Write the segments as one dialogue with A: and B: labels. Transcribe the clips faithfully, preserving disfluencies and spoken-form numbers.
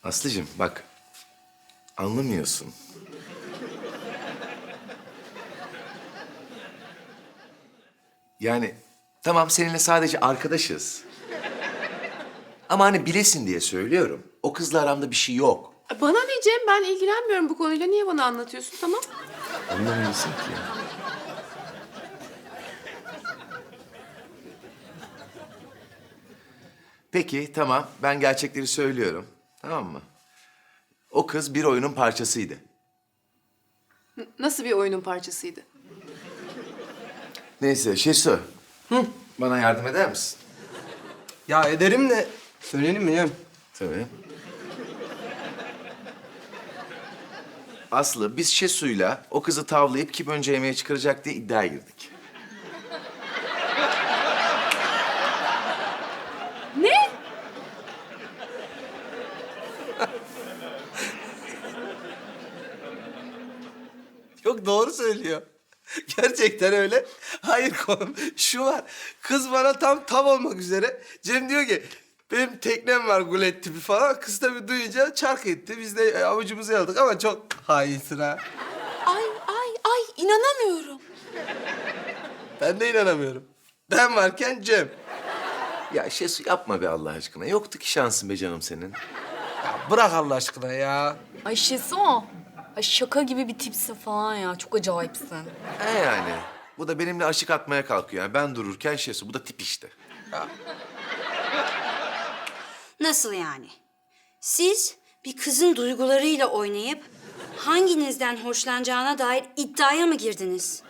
A: Aslıcığım bak, anlamıyorsun. Yani tamam seninle sadece arkadaşız. Ama hani bilesin diye söylüyorum. O kızla aramda bir şey yok.
B: Bana ne Cem? Ben ilgilenmiyorum bu konuyla. Niye bana anlatıyorsun? Tamam.
A: Anlamıyorsun ki. Peki tamam, ben gerçekleri söylüyorum. Tamam mı? O kız bir oyunun parçasıydı.
B: N- Nasıl bir oyunun parçasıydı?
A: Neyse Şesu. Hı? Bana yardım eder misin?
C: Ya ederim de söyleyelim mi ya?
A: Tabii. Aslı, biz Şesu'yla o kızı tavlayıp kim önce yemeğe çıkaracak diye iddiaya girdik.
B: Ne?
C: Yok doğru söylüyor. Gerçekten öyle. Hayır konum şu var. Kız bana tam tav olmak üzere. Cem diyor ki benim teknem var gulet tipi falan. Kız tabii duyunca çark etti. Biz de avucumuzu yaladık ama çok hainsin ha.
D: Ay ay ay inanamıyorum.
C: Ben de inanamıyorum. Ben varken Cem.
A: Ya Şesu yapma be Allah aşkına. Yoktu ki şansın be canım senin.
C: Ya bırak Allah aşkına ya.
D: Ay Şesu. Ay şaka gibi bir tipsin falan ya. Çok acayipsin.
A: He yani. Bu da benimle aşık atmaya kalkıyor. Yani ben dururken Şesu. Bu da tip işte.
E: Nasıl yani? Siz bir kızın duygularıyla oynayıp hanginizden hoşlanacağına dair iddiaya mı girdiniz?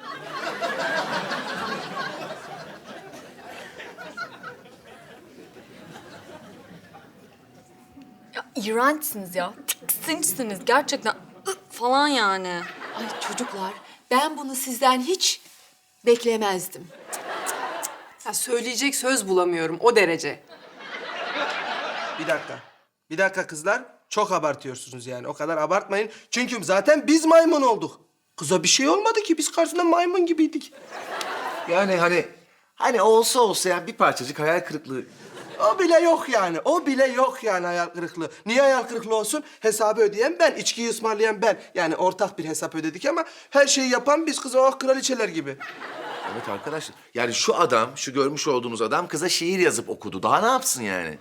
D: Ya iğrençsiniz ya. Tiksinçsiniz gerçekten. Ih, falan yani.
B: Ay çocuklar, ben bunu sizden hiç beklemezdim. Ya söyleyecek söz bulamıyorum o derece.
C: Bir dakika. Bir dakika kızlar. Çok abartıyorsunuz yani. O kadar abartmayın. Çünkü zaten biz maymun olduk. Kıza bir şey olmadı ki. Biz karşısında maymun gibiydik.
A: Yani hani... Hani olsa olsa yani bir parçacık hayal kırıklığı.
C: O bile yok yani. O bile yok yani hayal kırıklığı. Niye hayal kırıklığı olsun? Hesabı ödeyen ben, içkiyi ısmarlayan ben. Yani ortak bir hesap ödedik ama her şeyi yapan biz kız oh kraliçeler gibi.
A: Evet arkadaşlar. Yani şu adam, şu görmüş olduğunuz adam kıza şiir yazıp okudu. Daha ne yapsın yani?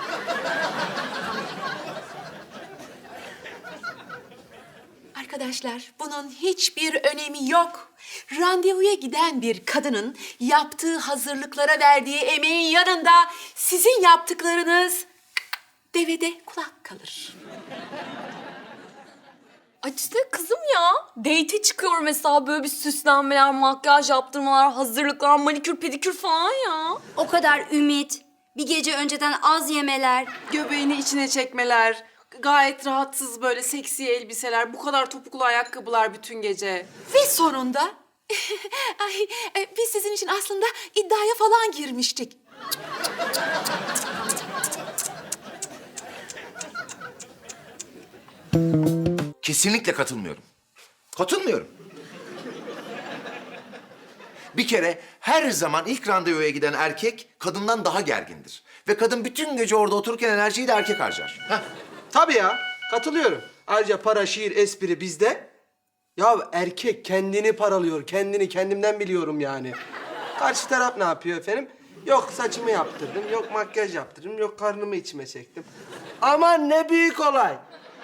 B: Arkadaşlar, bunun hiçbir önemi yok. Randevuya giden bir kadının yaptığı hazırlıklara verdiği emeğin yanında sizin yaptıklarınız devede kulak kalır.
D: Ay işte kızım ya. Date'e çıkıyor mesela böyle bir süslenmeler, makyaj yaptırmalar, hazırlıklar, manikür, pedikür falan ya.
E: O kadar ümit, bir gece önceden az yemeler.
B: Göbeğini içine çekmeler, gayet rahatsız böyle seksi elbiseler, bu kadar topuklu ayakkabılar bütün gece. Ve sonunda ay, e, biz sizin için aslında iddiaya falan girmiştik.
A: Kesinlikle katılmıyorum. Katılmıyorum. Bir kere her zaman ilk randevuya giden erkek kadından daha gergindir. Ve kadın bütün gece orada otururken enerjiyi de erkek harcar. Heh.
C: Tabii ya. Katılıyorum. Ayrıca para, şiir, espri bizde. Ya erkek kendini paralıyor. Kendini kendimden biliyorum yani. Karşı taraf ne yapıyor efendim? Yok saçımı yaptırdım, yok makyaj yaptırdım, yok karnımı içime çektim. Aman ne büyük olay.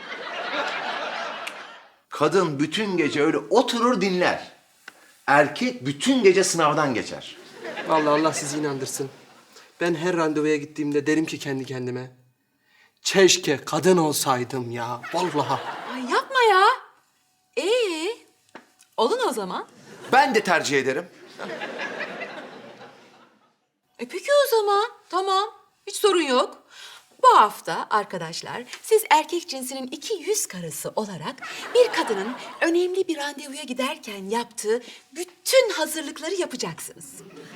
A: Kadın bütün gece öyle oturur dinler. Erkek bütün gece sınavdan geçer.
C: Vallahi Allah sizi inandırsın. Ben her randevuya gittiğimde derim ki kendi kendime. Keşke kadın olsaydım ya. Vallahi.
B: Ay yapma ya. Ee, olun o zaman.
A: Ben de tercih ederim.
B: E peki o zaman. Tamam. Hiç sorun yok. Bu hafta arkadaşlar siz erkek cinsinin iki yüz karısı olarak bir kadının önemli bir randevuya giderken yaptığı bütün hazırlıkları yapacaksınız.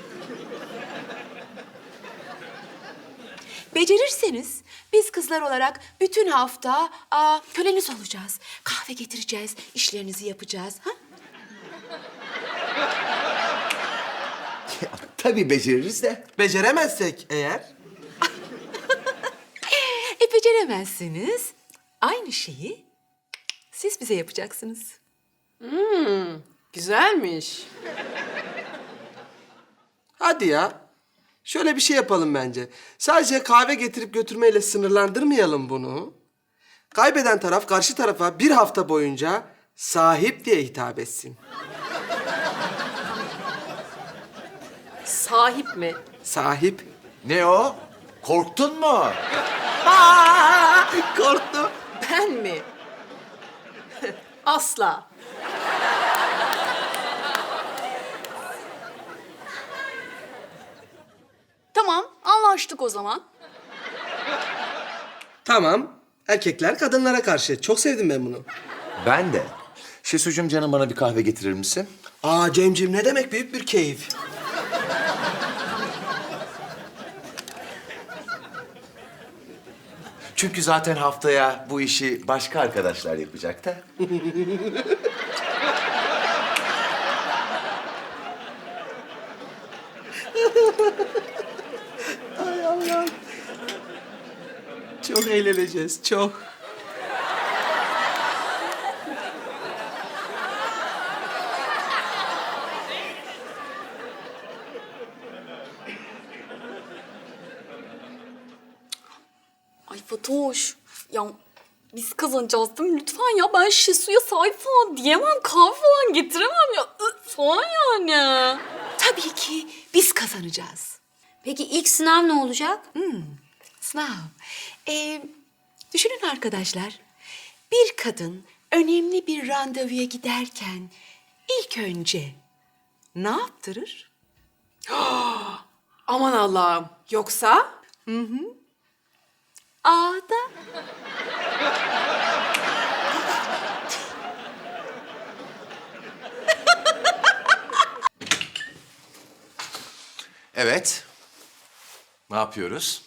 B: Becerirseniz biz kızlar olarak bütün hafta aa, köleniz olacağız. Kahve getireceğiz, işlerinizi yapacağız. Ha?
A: Tabii beceririz de.
C: Beceremezsek eğer...
B: E beceremezsiniz. aynı şeyi siz bize yapacaksınız.
F: Güzelmiş.
C: Hadi ya. Şöyle bir şey yapalım bence. Sadece kahve getirip götürmeyle sınırlandırmayalım bunu. Kaybeden taraf karşı tarafa bir hafta boyunca sahip diye hitap etsin.
F: Sahip mi?
C: Sahip.
A: Ne o? Korktun mu?
C: Aa, korktum.
F: Ben mi? Asla.
D: Tamam, anlaştık o zaman.
C: Tamam. Erkekler kadınlara karşı. Çok sevdim ben bunu.
A: Ben de. Şesucuğum canım bana bir kahve getirir misin?
C: Aa Cemcim ne demek büyük bir keyif.
A: Çünkü zaten haftaya bu işi başka arkadaşlar yapacak da.
C: Çok eğleneceğiz, çok.
D: Ay Fatoş, ya biz kazanacağız değil mi? Lütfen ya, ben Şesu'ya sahip falan diyemem, kahve falan getiremem ya. Ih, falan yani.
B: Tabii ki biz kazanacağız.
E: Peki ilk sınav ne olacak?
B: Sınav. Ee, düşünün arkadaşlar. Bir kadın önemli bir randevuya giderken ilk önce ne yaptırır?
F: Aman Allah'ım. Yoksa?
B: A'da.
A: Evet. Ne yapıyoruz?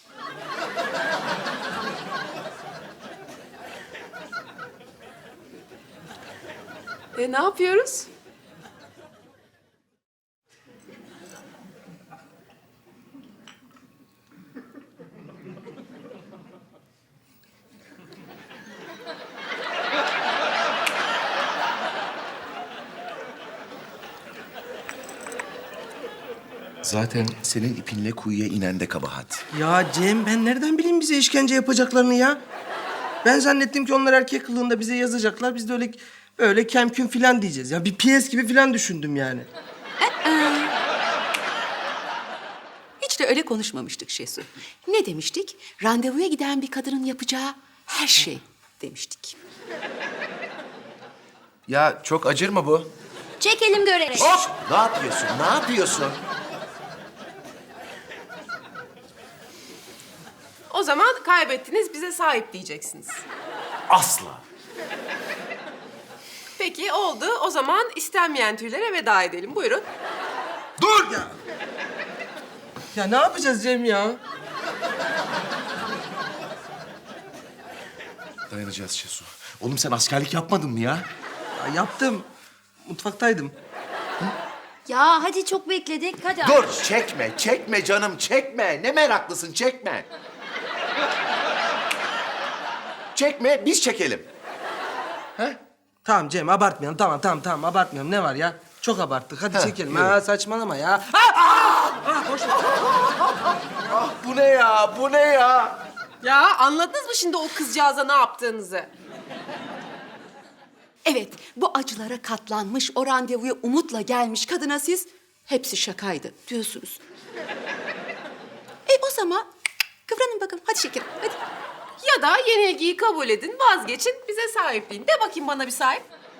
F: E, ne yapıyoruz?
A: Zaten senin ipinle kuyuya inen de kabahat.
C: Ya Cem ben nereden bileyim bize işkence yapacaklarını ya? Ben zannettim ki onlar erkek kılığında bize yazacaklar. Biz de öyle öyle kemküm falan diyeceğiz. Ya bir piyes gibi falan düşündüm yani.
B: Hiç de öyle konuşmamıştık Şesu. Ne demiştik? Randevuya giden bir kadının yapacağı her şey demiştik.
A: Ya çok acır mı bu?
E: Çekelim görerek.
A: Hop! Ne yapıyorsun? Ne yapıyorsun?
F: O zaman kaybettiniz, bize sahip diyeceksiniz.
A: Asla.
F: Peki oldu. O zaman istenmeyen tüylere veda edelim. Buyurun.
C: Dur ya! Ya ne yapacağız Cem ya?
A: Dayanacağız Şesu. Oğlum sen askerlik yapmadın mı ya?
C: Ya yaptım. Mutfaktaydım.
E: Ya hadi çok bekledik. Hadi.
A: Dur çekme, çekme canım çekme. Ne meraklısın çekme. Çekme biz çekelim.
C: Tamam Cem abartmayalım. Tamam tamam tamam abartmayalım. Ne var ya? Çok abarttık. Hadi
A: Heh,
C: çekelim.
A: yürü.
C: Ha saçmalama ya.
A: Ah bu ne ya? Bu ne ya?
F: Ya anladınız mı şimdi o kızcağıza ne yaptığınızı?
B: Evet, bu acılara katlanmış, o randevuya umutla gelmiş kadına siz hepsi şakaydı diyorsunuz. E o zaman kıvranın bakalım. Hadi şekerim, hadi.
F: Ya da yenilgiyi kabul edin, vazgeçin, bize sahipliğin. De bakayım bana bir sahip.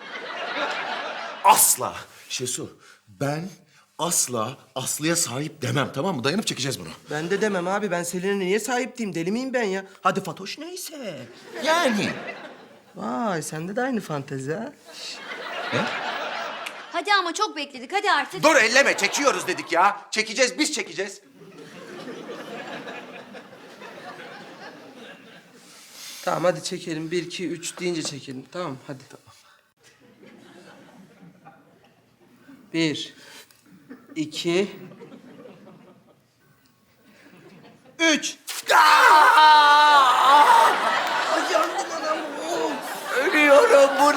A: Asla. Şesu ben asla Aslı'ya sahip demem tamam mı? Dayanıp çekeceğiz bunu.
C: Ben de demem abi. Ben Selin'e niye sahip diyeyim? Deli miyim ben ya? Hadi Fatoş neyse.
A: Yani.
C: Vay sende de aynı fantezi ha.
E: Hadi ama çok bekledik. Hadi artık.
A: Dur elleme çekiyoruz dedik ya. Çekeceğiz biz çekeceğiz.
C: Tamam hadi çekelim. Bir, iki, üç deyince çekelim. Tamam hadi. Tamam. Bir, iki, üç. Ay yandım anam.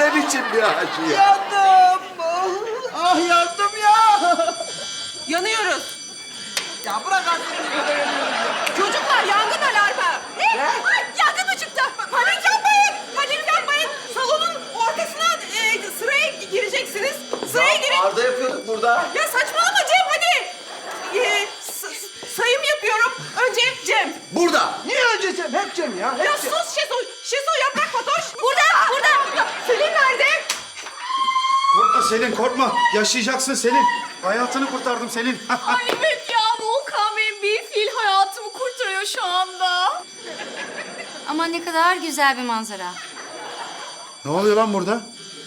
A: ne biçim bir acı ya?
G: Yandım. Ah yandım ya.
F: Yanıyoruz.
G: Ya bırak artık beni burada yanıyorum ya.
F: Çocuklar yangın alarmı. Ne? Ay, yangın mı çıktı? Panik yapmayın. Panik yapmayın. Salonun ortasına e, sıraya gireceksiniz. Sıraya girin.
A: Arda yapıyorduk burada.
F: Ya saçmalama Cem hadi. E, s- s- sayım yapıyorum. Önce Cem.
A: Burada.
C: Niye önce Cem? Hep Cem ya. Hep
F: Ya
C: Cem.
F: sus Şeso. Şeso yaprak Fatoş. Burada. Burada. Selin nerede?
H: Korkma Selin, korkma. Yaşayacaksın Selin. Hayatını kurtardım Selin.
D: Ay evet ya Volkan benim bir fil hayatımı kurtarıyor şu anda.
E: Ama ne kadar güzel bir manzara.
H: Ne oluyor lan burada?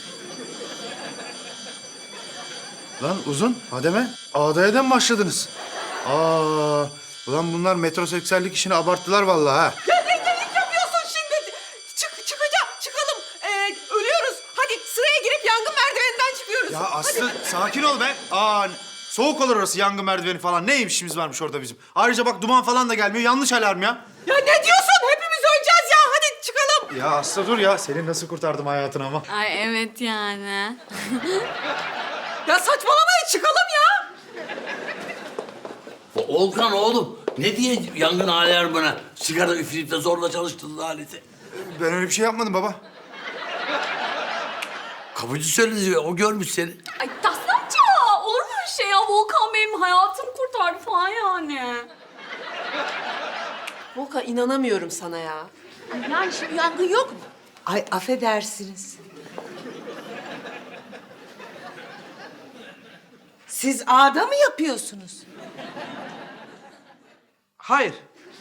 H: Lan Uzun, Hademe, ağdaya mı başladınız? Aa, ulan bunlar metroseksüellik işini abarttılar vallahi ha.
F: Ya ne delik yapıyorsun şimdi? Çık, çıkacağım, çıkalım. Ee, ölüyoruz. Hadi sıraya girip yangın merdiveninden çıkıyoruz.
H: Ya Aslı sakin ol be. Aa, soğuk olur orası, yangın merdiveni falan. Ne işimiz varmış orada bizim? Ayrıca bak duman falan da gelmiyor. Yanlış alarm ya.
F: Ya ne diyorsun? Hepimiz öleceğiz ya. Hadi çıkalım.
H: Ya Aslı dur ya. Selin nasıl kurtardım hayatını ama.
D: Ay evet yani.
F: Ya saçmalamayın çıkalım ya.
I: Volkan oğlum ne diye yangın alarmına sigara üfleyip de zorla çalıştırdın aleti?
H: Ben öyle bir şey yapmadım baba.
I: Kapıcı söyledi o görmüş seni.
D: Ay Tahsin amca olur mu öyle şey ya? Volkan benim hayatımı kurtardı falan yani.
F: Volkan inanamıyorum sana ya.
B: Yani şimdi yangın yok mu?
G: Ay affedersiniz. Siz ağda mı yapıyorsunuz?
C: Hayır.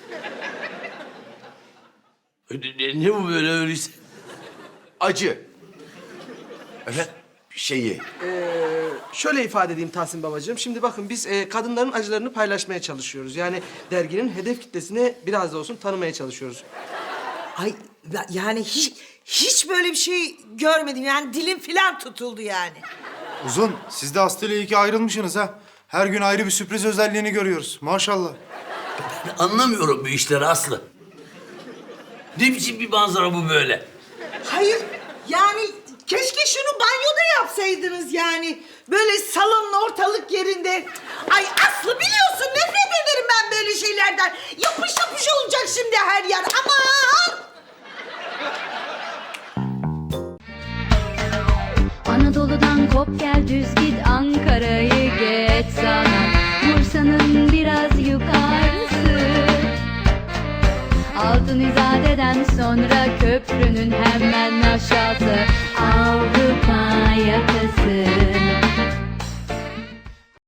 I: Ne, ne bu böyle öyleyse?
A: Acı. Evet. Şeyi.
C: Şöyle ifade edeyim Tahsin babacığım. Şimdi bakın biz e, kadınların acılarını paylaşmaya çalışıyoruz. Yani derginin hedef kitlesini biraz da olsun tanımaya çalışıyoruz.
G: Ay ya- yani hiç hiç böyle bir şey görmedim. Yani dilim filan tutuldu yani.
H: Uzun, siz de Aslı ile iyi ki ayrılmışsınız ha. Her gün ayrı bir sürpriz özelliğini görüyoruz. Maşallah.
I: Ben anlamıyorum bu işleri Aslı. Ne biçim bir manzara bu böyle?
G: Hayır yani keşke şunu banyoda yapsaydınız yani. Böyle salonun ortalık yerinde. Ay Aslı biliyorsun nefret ederim ben böyle şeylerden. Yapış yapış olacak şimdi her yer. Aman!
J: Anadolu'dan kop gel düz git Ankara'yı geç sana Bursa'nın biraz yukarısı Altın İzade'den sonra köprünün hemen aşağısı